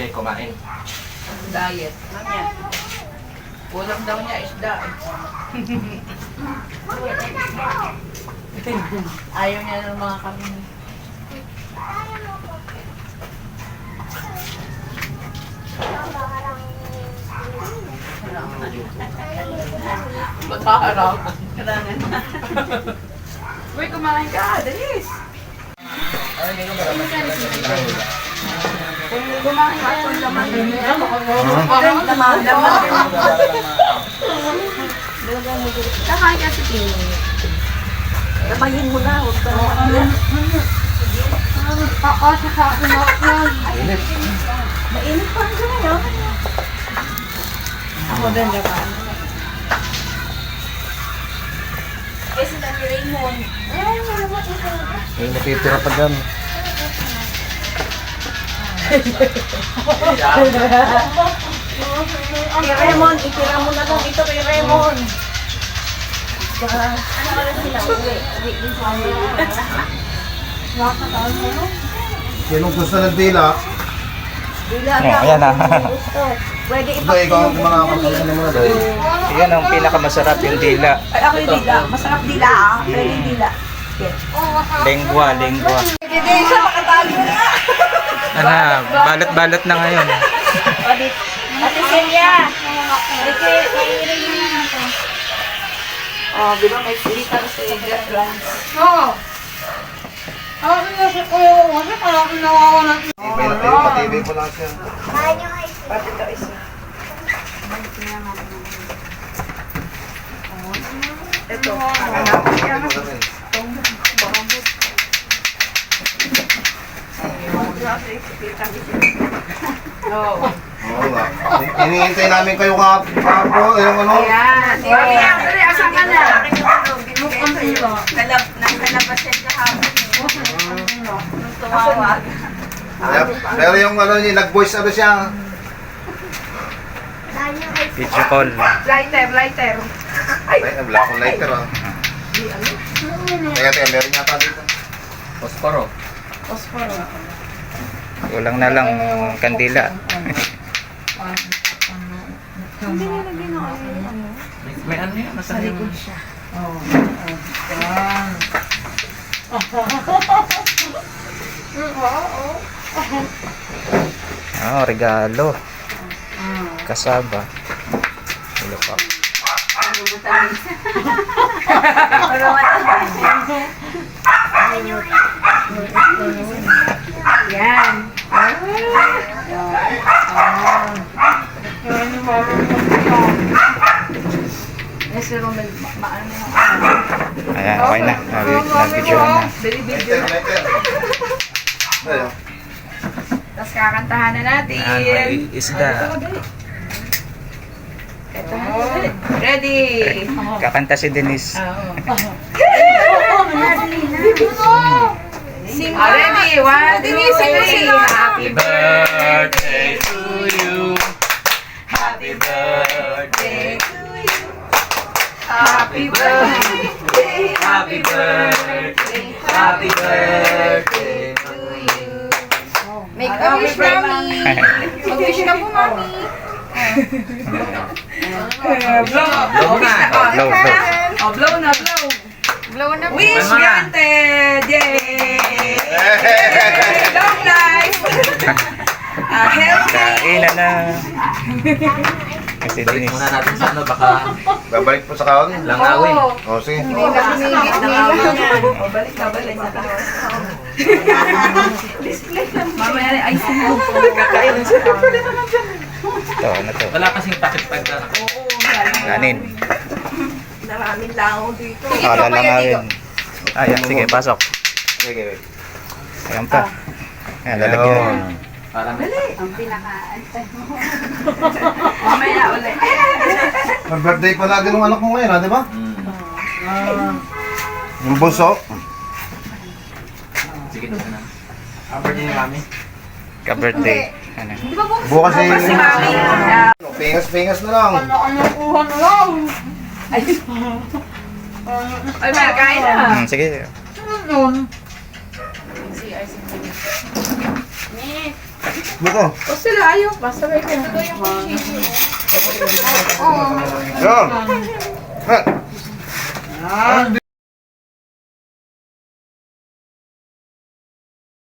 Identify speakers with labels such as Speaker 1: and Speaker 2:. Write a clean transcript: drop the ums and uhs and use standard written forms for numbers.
Speaker 1: siya kumain.
Speaker 2: Diet. Ano yan? Kulang daw niya isda. Ayaw niya ng mga kami. Magkaharap. Kailangan. Uy, kumain ka. Dalis. Kung kumain ka, kung laman. Laman. Kakain ka sa tingin. Labayin mo na. Huwag ka na.
Speaker 1: Init.
Speaker 2: Mainit pa rin ngayon. Ako din naman. Eh, si Dani Raymond.
Speaker 1: May natitira pa dyan.
Speaker 2: Kay Raymond, itira mo na lang ito kay Raymond. Ano ka lang sila? Uwi din sa amin.
Speaker 3: Sinong gusto ng dila?
Speaker 1: Ayan na.
Speaker 2: Pwede
Speaker 3: Ito, ikaw ang mga kapatid mo na doon.
Speaker 1: Yan ang pinakamasarap yung dila.
Speaker 2: Ay, ako yung dila. Masarap dila ah. Pwede yung dila.
Speaker 1: Lengwa.
Speaker 2: Hindi siya makatago na.
Speaker 1: Balot-balot na ngayon.
Speaker 2: Ate Celia. Ate, mahirin mo na ito. Oh, bilang may filter sa lunch.
Speaker 4: Oo. Ako kasi kuya ko kasi parang nawawalan.
Speaker 3: Tibay na tayo, patibay po lang siya.
Speaker 2: Pati ito isa. Ito. Oo.
Speaker 3: Oo nga. Hinihintay namin kayo kapo, yung ano.
Speaker 2: Ayan. Mami, actually, asan ka na? Nakalabas yan kahapon. Tumawag.
Speaker 3: Pero yung ano niya, nag-voice ano siya.
Speaker 1: Video call.
Speaker 2: Lighter.
Speaker 3: Ay, wala akong lighter ah. Teka, meron yata dito.
Speaker 1: Posporo.
Speaker 2: Posporo.
Speaker 1: Kulang na lang kandila.
Speaker 2: Hindi nilagyan ng ano.
Speaker 1: May ano yan? Nasa likod
Speaker 2: siya.
Speaker 1: Regalo. Kasaba. Ulo pa.
Speaker 2: Yan. Si Romel, maano yung
Speaker 1: Ayan, okay na. Nag-video na.
Speaker 3: Lighter, lighter. Ayun.
Speaker 2: Tapos kakantahan na natin.
Speaker 1: May isda.
Speaker 2: Ito. Ready?
Speaker 1: Kakanta si Denise.
Speaker 2: Sing ready? One, two, three. Happy
Speaker 1: birthday to you. Happy birthday to you.
Speaker 2: Happy birthday.
Speaker 1: Happy birthday. Happy birthday to you.
Speaker 2: Make a wish, Mami. Mag-wish ka po, Mami. Blow.
Speaker 1: Blow na. Blow.
Speaker 2: Oh, blow na, blow. Blow na. Wish granted. Yay! Long life. Healthy.
Speaker 1: Kainan na. Kasi Denise.
Speaker 5: Muna natin sa ano, baka
Speaker 3: Babalik po sa kaon.
Speaker 5: langawin.
Speaker 3: O, sige.
Speaker 2: Hindi na pinigit na yan. O, balik na, balik na. Mamaya na ay sino. Kakain siya.
Speaker 1: Ito, ano to?
Speaker 5: Wala kasing takip-tag na.
Speaker 1: Kanin.
Speaker 2: Maraming langaw dito.
Speaker 1: Lalangawin. Ayan, sige, pasok.
Speaker 3: Sige.
Speaker 1: Ayan pa. Ayan, lalagyan.
Speaker 5: Para may
Speaker 2: Ang pinaka-antay mo. Mamaya ulit.
Speaker 3: Ang birthday pala din ng anak mo ngayon, ha, di ba? Yung bunso.
Speaker 5: Sige na na. Birthday ni Mami.
Speaker 1: Ka-birthday. Ano?
Speaker 3: Bukas ay...
Speaker 2: Si Mami.
Speaker 3: Pingas-pingas na lang.
Speaker 4: Nakuha na lang.
Speaker 2: Ay, may kain na.
Speaker 1: Sige.
Speaker 4: Yun.
Speaker 3: Buko.
Speaker 2: O sila, ayaw pa. Sabay ka. Ito yung
Speaker 3: Yan. Ha.